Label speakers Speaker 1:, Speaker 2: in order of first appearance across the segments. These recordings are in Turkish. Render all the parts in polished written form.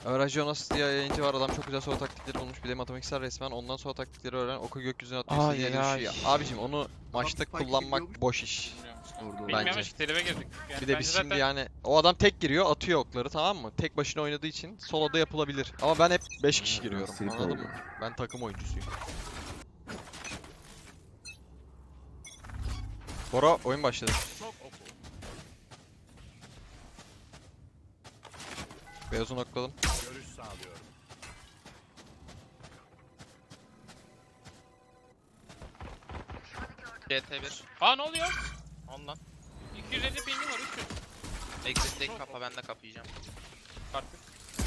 Speaker 1: Öğrenci Jonas diye yayıncı var. Adam çok güzel solo taktikleri bulmuş. Bir de matematiksel resmen. Ondan solo taktikleri öğren. Oku gökyüzüne atıyor.
Speaker 2: Ay,
Speaker 1: CD'ye
Speaker 2: ay.
Speaker 1: düşüyor. Abicim onu maçta
Speaker 3: spike
Speaker 1: kullanmak
Speaker 3: gidiyormuş.
Speaker 1: boş iş.
Speaker 3: Doğru.
Speaker 4: Bilmiyormuş ki tribe girdik. Yani
Speaker 1: Bir de
Speaker 4: bence
Speaker 1: biz
Speaker 4: zaten
Speaker 1: şimdi yani o adam tek giriyor atıyor okları, tamam mı? Tek başına oynadığı için soloda yapılabilir. Ama ben hep 5 kişi giriyorum,
Speaker 3: Strip
Speaker 1: anladın
Speaker 3: oldu.
Speaker 1: mı? Ben takım oyuncusuyum. Bora oyun başladı. Beyazı nokladım.
Speaker 5: Görüş sağlıyorum.
Speaker 2: CT1.
Speaker 4: Aa ne oluyor?
Speaker 2: Ondan.
Speaker 4: 250 pingim var 300.
Speaker 2: Exit'teki kapa, ben de kapayacağım.
Speaker 4: Artık.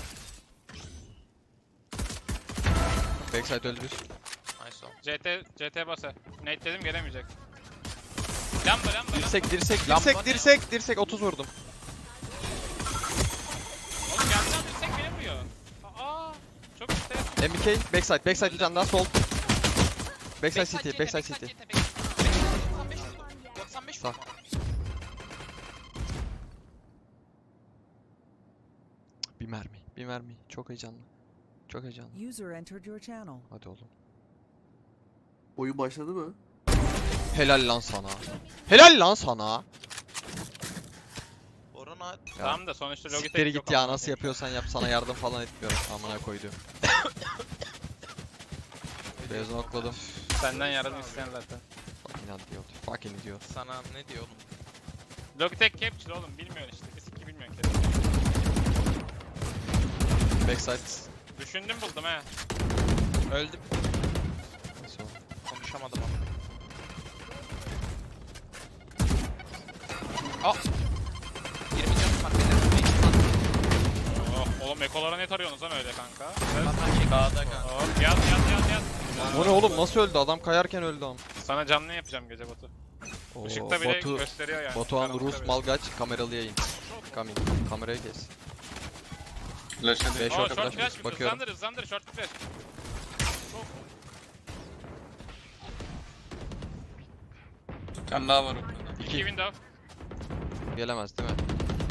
Speaker 1: Backside öldü bir.
Speaker 2: Nice o.
Speaker 4: CT basa. Nate dedim gelemeyecek. Lamba.
Speaker 1: Dirsek 30 vurdum.
Speaker 4: Oğlum gelsen düşsek beni vuruyor. Aa çok işte.
Speaker 1: MBK backside bir tane daha sol. Backside city.
Speaker 2: 95
Speaker 1: Sağ. Bir mermi. Çok heyecanlı.
Speaker 6: User entered your channel.
Speaker 1: Hadi oğlum.
Speaker 3: Oyun başladı mı?
Speaker 1: Helal lan sana.
Speaker 2: Orana
Speaker 1: Ya.
Speaker 4: Tamam da sonuçta Logitech
Speaker 1: Siktiri
Speaker 4: yok
Speaker 1: git ya,
Speaker 4: amına
Speaker 1: nasıl
Speaker 4: koyayım.
Speaker 1: yapıyorsan yap, sana yardım falan etmiyorum. Amına koydum. Beyazını okladım.
Speaker 4: Senden yardım isteyen zaten.
Speaker 1: Fucking idiot.
Speaker 2: sana ne diyor oğlum?
Speaker 4: Logitech Capture oğlum bilmiyorsun işte. Biz iki bilmiyorsun ki.
Speaker 1: Backside.
Speaker 4: Düşündüm buldum he.
Speaker 2: Öldüm.
Speaker 1: Neyse oğlum.
Speaker 2: Konuşamadım ama. Aa! 20 canım var benim.
Speaker 4: Oh, oğlum ekolara ne tarıyorsunuz lan öyle kanka?
Speaker 2: Dağda kanka.
Speaker 4: Oh, yat.
Speaker 1: Bu ne oğlum, nasıl öldü? Adam kayarken öldü am.
Speaker 4: Sana canlı yapacağım gece Batu.
Speaker 1: Oo,
Speaker 4: Işıkta bile gösteriyor yani.
Speaker 1: Batuhan
Speaker 4: Karanlıkta
Speaker 1: Rus
Speaker 4: bile.
Speaker 1: Malgaç kameralı yayın. Coming. Kamerayı kes.
Speaker 5: Flash hadi.
Speaker 1: 5
Speaker 4: Oh
Speaker 1: orta
Speaker 4: short
Speaker 1: flash
Speaker 4: flash
Speaker 1: bakıyorum.
Speaker 4: hızlandır short flash.
Speaker 5: Bir tane daha var ortada.
Speaker 4: 2 window.
Speaker 1: Gelemez değil mi?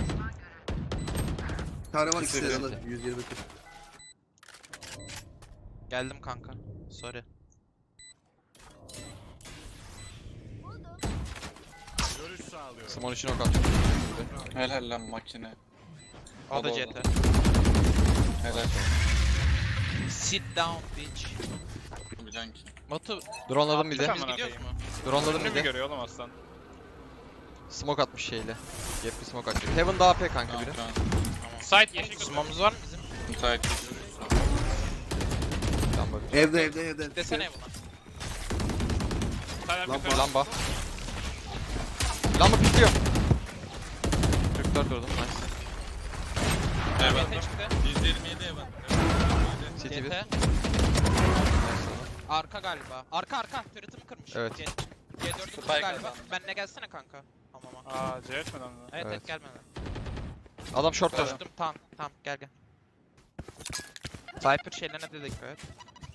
Speaker 3: Bir tane var
Speaker 1: Kesin.
Speaker 3: ikisi de 120 40.
Speaker 2: Geldim kanka. Sorry.
Speaker 5: Görüş sağlıyorum.
Speaker 1: Simon için ok attım.
Speaker 5: Helal lan makine.
Speaker 2: O da
Speaker 5: O da
Speaker 2: CT.
Speaker 5: Helal.
Speaker 2: Sit down bitch.
Speaker 5: Bilen ki.
Speaker 2: Batu
Speaker 1: Drone'ladım bir de.
Speaker 4: Tamam.
Speaker 2: biz gidiyoruz mu?
Speaker 1: Drone'ladım
Speaker 4: Önünü
Speaker 1: bir
Speaker 4: mü
Speaker 1: de.
Speaker 4: görüyor oğlum aslan?
Speaker 1: Smoke atmış şeyle. Gap bir smoke atmış. Heaven daha AP kanka
Speaker 5: Tamam
Speaker 1: biri.
Speaker 5: tamam.
Speaker 4: Site yeşil kutu.
Speaker 2: Sumamız var mı bizim?
Speaker 5: Müsait değil.
Speaker 1: Tamam bak.
Speaker 3: Evde.
Speaker 2: Desene buna.
Speaker 4: Site
Speaker 3: Lamba.
Speaker 4: arkası.
Speaker 1: Lamba pikliyor. 44 vurdum. Nice.
Speaker 5: Evet.
Speaker 2: CT çıktı.
Speaker 5: 127 evet.
Speaker 1: City bir.
Speaker 2: CT. Arka galiba. Arka. Turret'ımı kırmış.
Speaker 1: Evet.
Speaker 2: C4'ü
Speaker 5: Spike
Speaker 2: galiba.
Speaker 5: adam.
Speaker 2: Benle gelsene kanka. Tamam.
Speaker 4: Aa C etmeden mi?
Speaker 2: Evet
Speaker 1: Evet.
Speaker 2: gelmedi.
Speaker 1: Adam short'ta.
Speaker 2: Koştum tamam gel. Cypher şeylerine de dikkat et.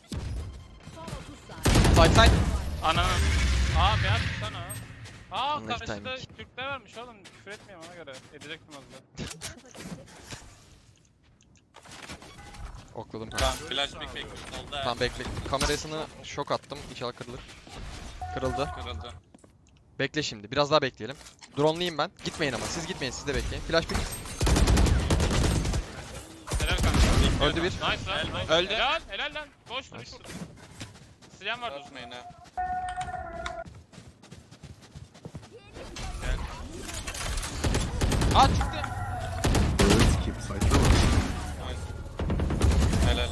Speaker 1: Side.
Speaker 4: Ananı. Aa beyaz sana. Aa
Speaker 1: Anlaş
Speaker 4: karşıda
Speaker 1: timing.
Speaker 4: Türkler varmış oğlum. Küfür etmeyeyim ona göre. Edecektim az da.
Speaker 1: Okladım kanka.
Speaker 5: Tamam flash pick bekliyorsun. Oldu
Speaker 1: Tamam bekle. Kamerasını şok attım. İnşallah kırılır. Kırıldı.
Speaker 5: Kırıldı.
Speaker 1: Bekle şimdi. Biraz daha bekleyelim. Drone'layım ben. Gitmeyin ama. Siz gitmeyin. Siz de bekleyin. Flash pick.
Speaker 4: Helal kanka.
Speaker 1: Öldü bir.
Speaker 4: Nice lan. Nice.
Speaker 2: Öldü.
Speaker 4: Helal lan. Boş duruş
Speaker 1: Nice.
Speaker 4: vurdu. Silahım var.
Speaker 5: Bozmayın ha.
Speaker 2: Aa çıktı.
Speaker 3: Skip site'da var.
Speaker 5: Helal lan.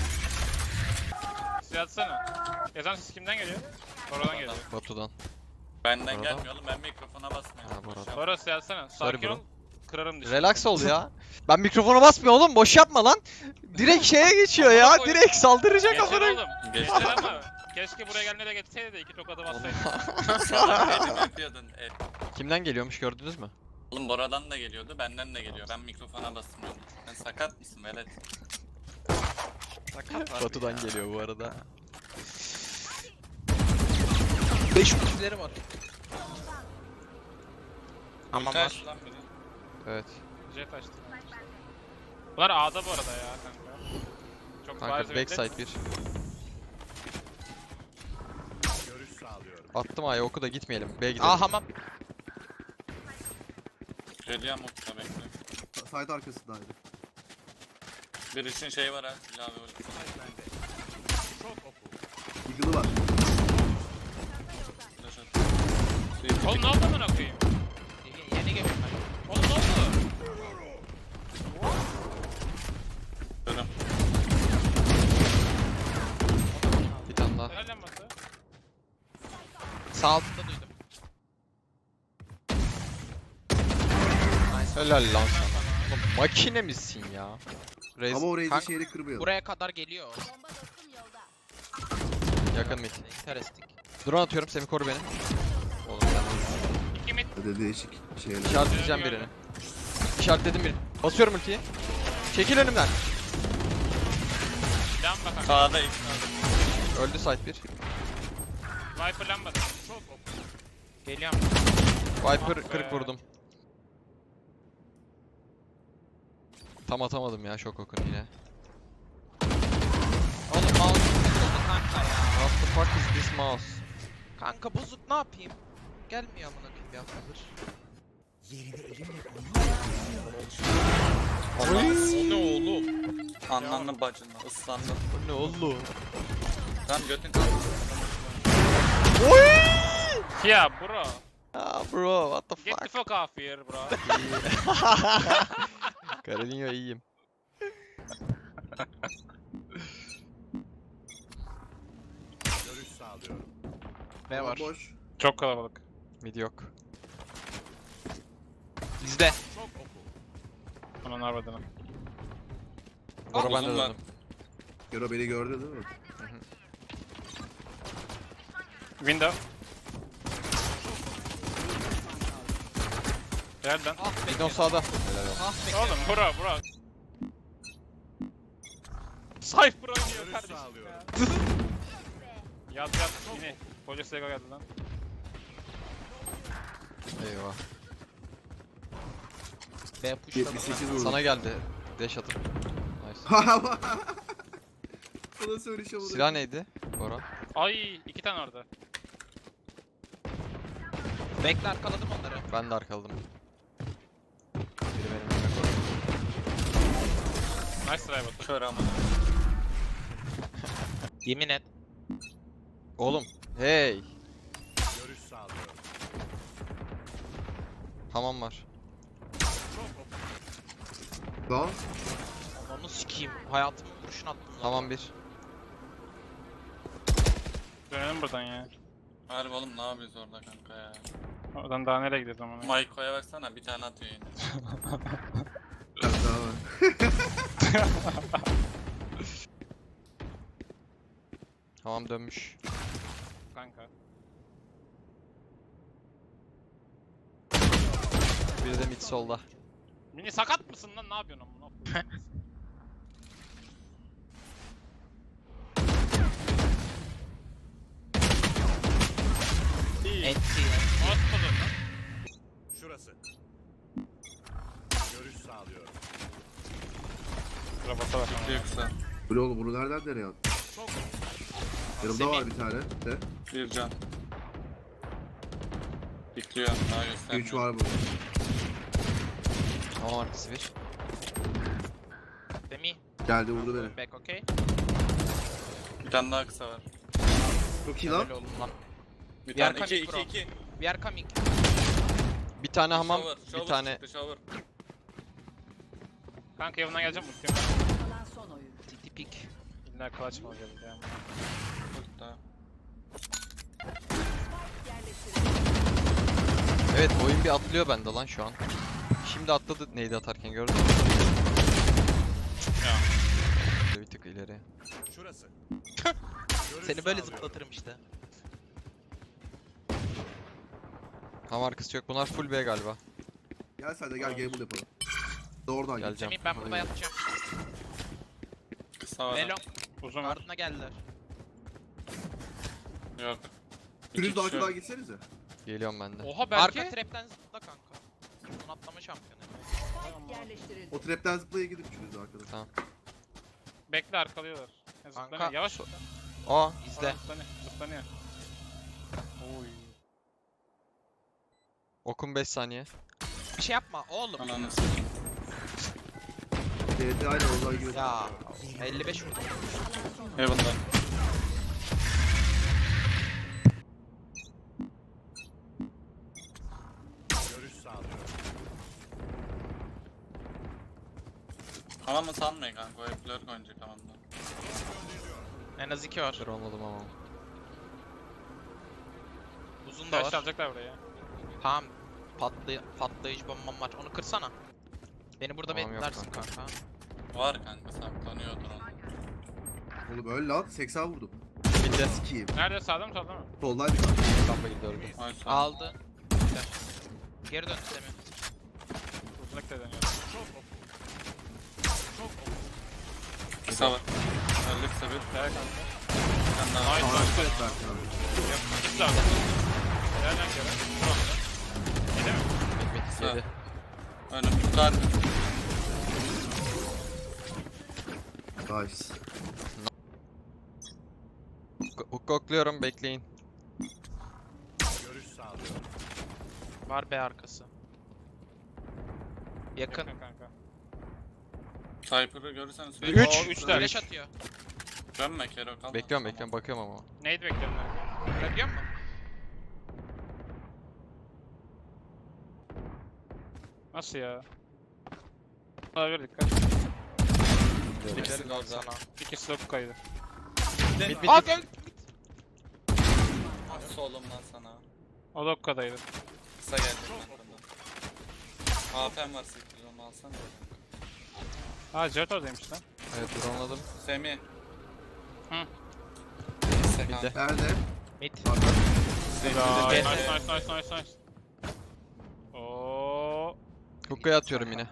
Speaker 4: Silah atsana. Yazan ses kimden geliyor? Oradan geliyor.
Speaker 1: Batu'dan.
Speaker 5: Benden
Speaker 1: Orada.
Speaker 5: gelmiyor oğlum, ben mikrofona basmıyorum.
Speaker 1: Ha, bu arada.
Speaker 4: Sonra silah atsana.
Speaker 1: Sorry
Speaker 4: Sakin
Speaker 1: bro.
Speaker 4: ol. Kırarım dişini.
Speaker 1: Relax ol ya. Ben mikrofona basmıyorum oğlum. Boş yapma lan. Direkt şeye geçiyor ya.
Speaker 4: Amına koyayım.
Speaker 1: Direkt saldıracak
Speaker 4: Geçer
Speaker 1: amına.
Speaker 4: oğlum.
Speaker 5: Geçti.
Speaker 4: Geçer ama. Keşke buraya gelmeye de geçseydi de iki tokadı bassaydı.
Speaker 5: Salak elim yapıyordun.
Speaker 1: Kimden geliyormuş gördünüz mü?
Speaker 5: Oğlum Bora'dan da geliyordu, benden de geliyor. Ben mikrofona basmıyorum. Sen sakat mısın velet?
Speaker 2: Sakat var.
Speaker 1: Batu'dan geliyor bu arada.
Speaker 2: 5 ultileri var. Ama
Speaker 5: Ulti
Speaker 2: var.
Speaker 5: aç lan biri.
Speaker 1: Evet.
Speaker 4: Jet açtı. Bunlar A'da bu arada ya kanka. Çok bariz
Speaker 1: Kanka
Speaker 4: belli.
Speaker 1: backside bir. Attım A'ya, oku da gitmeyelim. B'ye gidelim.
Speaker 2: Aa hamam.
Speaker 5: Geliyorum okta bekle.
Speaker 3: Side arkasındaydı.
Speaker 5: Bir için şey var ha. İlave ulti.
Speaker 3: Eagle'ı var.
Speaker 5: Flash at.
Speaker 4: Oğlum ne oldu amına koyayım?
Speaker 2: Yeni geliyorum ben.
Speaker 4: Oğlum ne oldu?
Speaker 5: Dönüm.
Speaker 1: Bir tane daha.
Speaker 4: Helal lan Batu.
Speaker 2: Sağ altında duydum.
Speaker 1: Helal lan sana. Oğlum makine misin ya? Raze
Speaker 3: Ama orayı da
Speaker 2: Kanka,
Speaker 3: şeyle kırmıyor.
Speaker 2: Buraya kadar geliyor.
Speaker 1: yakın mid.
Speaker 2: Interesting.
Speaker 1: Drone atıyorum, Semih koru beni. Oğlum sen
Speaker 4: 2 mid.
Speaker 3: Öyle değişik şeyler.
Speaker 1: işaretleyeceğim birini. İşaretledim birini. Basıyorum ultiyi. Çekil önümden.
Speaker 4: Lamba kanka.
Speaker 5: Sağda ilk.
Speaker 1: Öldü site 1.
Speaker 4: Viper lambada.
Speaker 2: Geliyorum.
Speaker 1: Viper 40 vurdum. Tam atamadım ya şok okun yine.
Speaker 2: Oğlum mouse bozuldu kanka ya.
Speaker 1: What the fuck is this mouse?
Speaker 2: Kanka bozuk ne yapayım? Gelmiyor amına koyayım bir haftadır.
Speaker 1: O ne oğlum?
Speaker 5: Anlandı bacınla. Islandı.
Speaker 1: O ne oğlum?
Speaker 5: Tamam götün kaldı.
Speaker 4: Ya bro.
Speaker 1: Ah bro, what the
Speaker 4: Get the
Speaker 1: fuck?
Speaker 4: fuck off here bro.
Speaker 1: Carolina iyiyim.
Speaker 2: Ne var?
Speaker 3: Boş.
Speaker 4: Çok kalabalık.
Speaker 1: Mid yok.
Speaker 2: Bizde.
Speaker 4: Aman harbiden.
Speaker 1: Bora ben de
Speaker 5: uzun var.
Speaker 1: döndüm.
Speaker 3: Gero beni gördü değil mi?
Speaker 4: Window. Nereden?
Speaker 2: Ah be.
Speaker 1: Midon sağda. Helal olsun.
Speaker 2: Ah be.
Speaker 4: Oğlum bro. Cypher oynuyor kardeşim ya. Yaz yine. Koca Sega geldi lan.
Speaker 1: Eyvah.
Speaker 2: B pushladı.
Speaker 3: 78 vurdu.
Speaker 1: Sana geldi. Dash atıp. Nice.
Speaker 3: Sana söyleyeceğim onu.
Speaker 1: Silah neydi? Bora.
Speaker 4: Ay 2 tane orada.
Speaker 2: Bekle arkaladım onları.
Speaker 1: Ben de arkaladım. Biri benim önüme koydu.
Speaker 4: Nice try Batu.
Speaker 5: Kör ama.
Speaker 2: Yemin et.
Speaker 1: Oğlum. Hey. Hamam var.
Speaker 3: Daha.
Speaker 2: Onu sikeyim. Hayatımın kurşun attım lan.
Speaker 1: Hamam bir.
Speaker 4: Dönelim buradan ya.
Speaker 5: Harbi oğlum ne yapıyoruz orada kanka ya.
Speaker 4: Oradan daha nereye gideceğiz ama?
Speaker 5: Maiko'ya baksana bir tane atıyor yine.
Speaker 3: Daha var.
Speaker 1: Hamam dönmüş.
Speaker 4: Kanka.
Speaker 1: Biri de mid solda.
Speaker 4: Mini sakat mısın lan? Ne yapıyorsun amına koyayım? İyi.
Speaker 2: Enti.
Speaker 4: Atmadın lan.
Speaker 7: Şurası. Görüş sağlıyorum.
Speaker 4: Robota bak ama.
Speaker 5: Yoksa
Speaker 3: Bu oğlum bunu nereden nereye attın? Yanımda var bir tane de.
Speaker 5: bir can. Bekliyor daha göstermiyor.
Speaker 3: 3 var burada.
Speaker 1: Hamam arkası bir.
Speaker 2: Demi.
Speaker 3: Geldi vurdu beni.
Speaker 2: Back okay.
Speaker 5: Bir tane daha kısa var.
Speaker 3: Çok iyi lan.
Speaker 2: Öyle oğlum lan.
Speaker 5: Bir
Speaker 2: Diğer
Speaker 5: tane iki
Speaker 2: kamik
Speaker 5: iki
Speaker 2: bro.
Speaker 5: iki.
Speaker 2: We are coming.
Speaker 1: Bir tane hamam,
Speaker 5: Shower,
Speaker 1: bir
Speaker 5: shower
Speaker 1: tane
Speaker 5: çıktı, shower.
Speaker 4: Kanka yanına geleceğim ultim.
Speaker 6: Kalan son oyun.
Speaker 2: TT pick.
Speaker 4: İlla clutch mı olacak ya?
Speaker 5: Burada.
Speaker 1: Evet, oyun bir atlıyor bende lan şu an. Şimdi atladı neydi atarken gördün mü?
Speaker 4: Ya.
Speaker 1: Bir tık ileri.
Speaker 7: Şurası. Görüş
Speaker 2: Seni böyle
Speaker 7: sağlıyorum.
Speaker 2: zıplatırım işte.
Speaker 1: Hamam arkası yok. Bunlar full B galiba.
Speaker 3: Gel sen de gel gamble yapalım. Doğrudan gel.
Speaker 1: Geleceğim.
Speaker 2: Semih ben burada yatacağım.
Speaker 5: Kısa var.
Speaker 2: Velo.
Speaker 4: Uzun var.
Speaker 2: Ardına geldiler.
Speaker 5: Yok.
Speaker 3: Pürüz
Speaker 5: İki
Speaker 3: de
Speaker 5: kişi
Speaker 3: arkadan
Speaker 5: yok.
Speaker 3: gitsenize.
Speaker 1: Geliyorum ben de.
Speaker 4: Oha
Speaker 2: Arka
Speaker 4: belki.
Speaker 2: trapten zıpla kanka. Son atlama şampiyonu.
Speaker 4: Tamam.
Speaker 6: Yerleştirildi.
Speaker 3: O trapten zıplaya gidip üçünüz arkadaş.
Speaker 1: Tamam.
Speaker 4: Bekle arkalıyorlar. Ya,
Speaker 2: Kanka,
Speaker 4: zıplanıyor. Yavaş zıpla.
Speaker 1: Aa.
Speaker 2: İzle.
Speaker 4: Zıplanıyor. Zıplanıyor. Oy.
Speaker 1: Okum 5 saniye.
Speaker 2: Bir şey yapma oğlum.
Speaker 5: Ananı sikeyim.
Speaker 3: TT aynı oradan gibi.
Speaker 2: Ya 55 vurdum.
Speaker 5: Heaven'da.
Speaker 7: Görüş sağlıyorum.
Speaker 5: Hamamı sanmayın kanka. O hep lurk oynayacak hamamda.
Speaker 2: En az 2 var.
Speaker 1: Dur olmadım ama.
Speaker 2: Uzun da
Speaker 4: Flash
Speaker 2: var.
Speaker 4: alacaklar buraya.
Speaker 2: Tamam. Patlayıcı bombam var. Onu kırsana. Beni burada
Speaker 1: Tamam, yok
Speaker 2: beklersin
Speaker 1: kanka.
Speaker 2: kanka.
Speaker 5: Var kanka saklanıyordur onu.
Speaker 3: Oğlum öyle lan 80 vurdum.
Speaker 1: Bitti.
Speaker 3: Sikiyim.
Speaker 4: Nerede? Sağda mı solda mı?
Speaker 3: Soldaydı kanka.
Speaker 1: Lamba girdi öldü.
Speaker 5: Ay sağ
Speaker 2: Aldı. Güzel. Geri dön Semih.
Speaker 4: Uzunluk da dönüyor.
Speaker 5: Kısa var. Öldü kısa bir.
Speaker 4: Gel kanka.
Speaker 5: Sen daha
Speaker 4: Nice
Speaker 3: Tamam,
Speaker 4: nice.
Speaker 3: evet, Berk abi.
Speaker 4: Güzel. Helal lan Kerem. Tamam. Yedi mi?
Speaker 1: Mid
Speaker 5: Kısa.
Speaker 1: yedi.
Speaker 5: Önüm tutar.
Speaker 3: Nice.
Speaker 1: Hook okluyorum bekleyin.
Speaker 7: Görüş sağlıyorum.
Speaker 2: Var B arkası. Yakın.
Speaker 4: Yakın kanka.
Speaker 5: Sniper'ı görürsen söyle.
Speaker 1: Üç.
Speaker 4: Oo, 3 tane.
Speaker 2: Flash atıyor.
Speaker 5: Dönme Kero kalma.
Speaker 1: Bekliyorum bakıyorum ama.
Speaker 4: Nade bekliyorum ben.
Speaker 2: Görebiliyor musun?
Speaker 4: Nasıl ya? Olabilir dikkat.
Speaker 5: İkisi de orada.
Speaker 2: Sana.
Speaker 4: İkisi de bu kaydı.
Speaker 1: Mid mid
Speaker 2: Aa
Speaker 1: mid.
Speaker 2: gel.
Speaker 5: Nasıl oğlum lan sana?
Speaker 4: O da bu kadaydı.
Speaker 5: Kısa geldi arkamdan. AP'm var 8 onu alsana.
Speaker 4: Ha Jet oradaymış lan.
Speaker 1: Evet drone'ladım.
Speaker 5: Semih.
Speaker 4: Hı.
Speaker 5: Kısa
Speaker 1: Bir de.
Speaker 5: kanka.
Speaker 3: Nerede?
Speaker 2: Mid.
Speaker 4: Ya,
Speaker 2: Gel.
Speaker 4: nice. Oo.
Speaker 1: Hook'a atıyorum yine.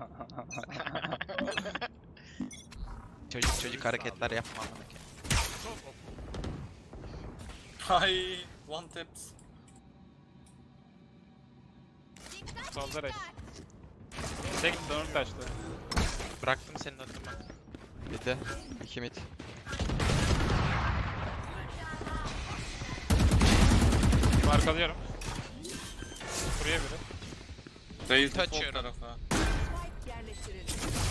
Speaker 2: Çocuk hareketler yapma amına koyayım.
Speaker 5: Hay. One taps.
Speaker 4: Solda reş. Tek dönüp taştı.
Speaker 2: Bıraktım senin önüne bak.
Speaker 1: Bir de. 2 mid.
Speaker 4: Arkalıyorum. Buraya biri.
Speaker 5: Raise the sol
Speaker 2: Açıyorum.
Speaker 5: tarafa.
Speaker 6: Yerleştirildi.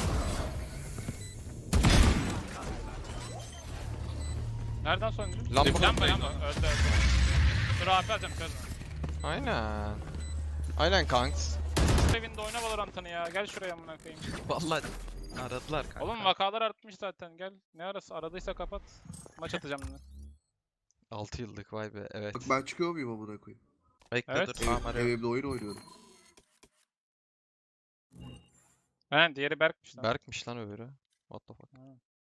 Speaker 4: Nereden sonuncu?
Speaker 1: Lamba.
Speaker 4: Lamba. Öldü. Dur AP alacağım çözme.
Speaker 1: Aynen. Aynen kanks.
Speaker 4: Evinde oyna Valorant'ını ya. Gel şuraya amına koyayım.
Speaker 2: Vallahi aradılar kanka.
Speaker 4: Oğlum vakalar artmış zaten. Gel. Ne arası? Aradıysa kapat. Maç atacağım yine.
Speaker 1: 6 yıllık vay be evet.
Speaker 3: Bak ben çıkıyor muyum amına koyayım?
Speaker 2: Bekle
Speaker 4: Evet.
Speaker 2: dur tamam arıyorum.
Speaker 3: Evimde oyun oynuyorum.
Speaker 4: He diğeri Berk'miş lan.
Speaker 1: Berk'miş lan öbürü. What the fuck.
Speaker 4: Ha.